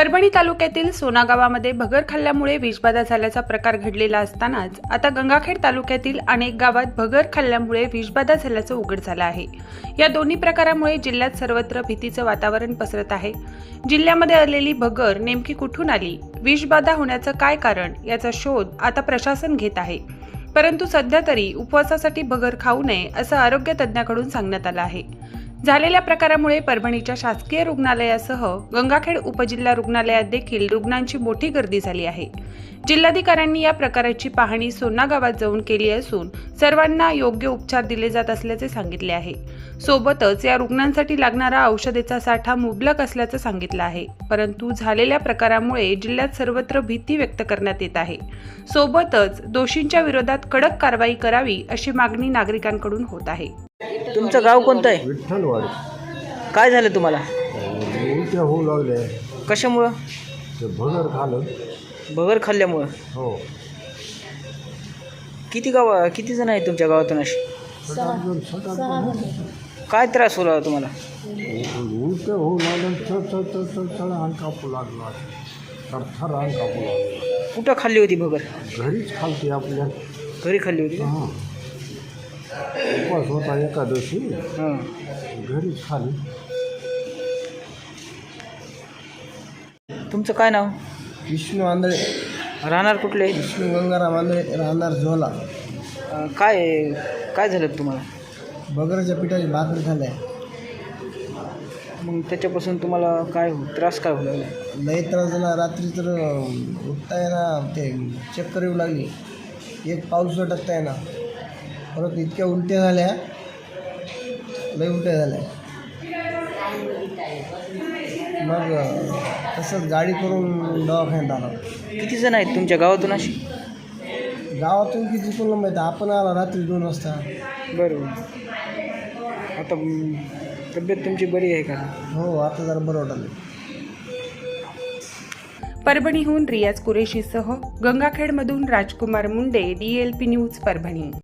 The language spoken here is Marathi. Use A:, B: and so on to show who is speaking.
A: परभणी तालुक्यातील सोना गावामध्ये भगर खाल्ल्यामुळे विषबाधा झाल्याचा प्रकार घडलेला असतानाच आता गंगाखेड तालुक्यातील अनेक गावात भगर खाल्ल्यामुळे विषबाधा झाल्याचं उघड झालं आहे। या दोन्ही प्रकारामुळे जिल्ह्यात सर्वत्र भीतीचं वातावरण पसरत आहे। जिल्ह्यामध्ये आलेली भगर नेमकी कुठून आली, विषबाधा होण्याचं काय कारण याचा शोध आता प्रशासन घेत आहे। परंतु सध्या तरी उपवासासाठी भगर खाऊ नये असं आरोग्य तज्ज्ञाकडून सांगण्यात आलं आहे। झालेल्या प्रकारामुळे परभणीच्या शासकीय रुग्णालयासह गंगाखेड उपजिल्हा रुग्णालयात देखील रुग्णांची मोठी गर्दी झाली आहे। जिल्हाधिकाऱ्यांनी या प्रकाराची पाहणी सोना गावात जाऊन केली असून सर्वांना योग्य उपचार दिले जात असल्याचे सांगितले आहे। सोबतच या रुग्णांसाठी लागणारा औषधेचा साठा मुबलक असल्याचं सांगितलं आहे। परंतु झालेल्या प्रकारामुळे जिल्ह्यात सर्वत्र भीती व्यक्त करण्यात येत आहे। सोबतच दोषींच्या विरोधात कडक कारवाई करावी अशी मागणी नागरिकांकडून होत आहे।
B: तुमचं गाव कोणतं आहे?
C: विठ्ठलवाडी.
B: काय झालं तुम्हाला?
C: उलट्या होऊ लागले.
B: कशामुळं?
C: ते भगर खाल्लं.
B: भगर खाल्ल्यामुळं?
C: हो.
B: किती जण आहेत तुमच्या गावातून अशी? काय त्रास होला तुम्हाला?
C: उलट्या होऊ लागलं. चढ अंग कापू लागला. थरथर अंग कापू लागला.
B: कुठं खाल्ली होती भगर?
C: घरीच खालते आपल्या.
B: घरी खाल्ली होती?
C: हां. उपवास होता एकादशी.
B: हां.
C: घरीच खाली.
B: तुमचं काय नाव?
D: विष्णू आंधळे.
B: राहणार कुठले?
D: विष्णू गंगाराम आंधळे, राहणार झोला.
B: काय झालं तुम्हाला?
D: बगरच्या पिठाची भाकरी खाल्ल्या.
B: मग त्याच्यापासून तुम्हाला काय त्रास काय होऊ लागला?
D: लई त्रास झाला. रात्री तर उठता येईना, ते चक्कर येऊ लागली. एक पाऊल टाकता येईना. परत इतक्या उलट्या झाल्या, लई उलट्या झाल्या. मग तसंच गाडी करून दवाखान्यात आला.
B: किती जण आहेत तुमच्या गावातून अशी?
D: गावातून किती कोणाला माहिती, आपण आला रात्री 2 वाजता.
B: बरोबर. आता तब्येत तुमची बरी आहे का?
D: हो, आता जरा बरं वाटलं.
A: परभणीहून रियाज कुरेशीसह गंगाखेडमधून राजकुमार मुंडे, DLP न्यूज परभणी।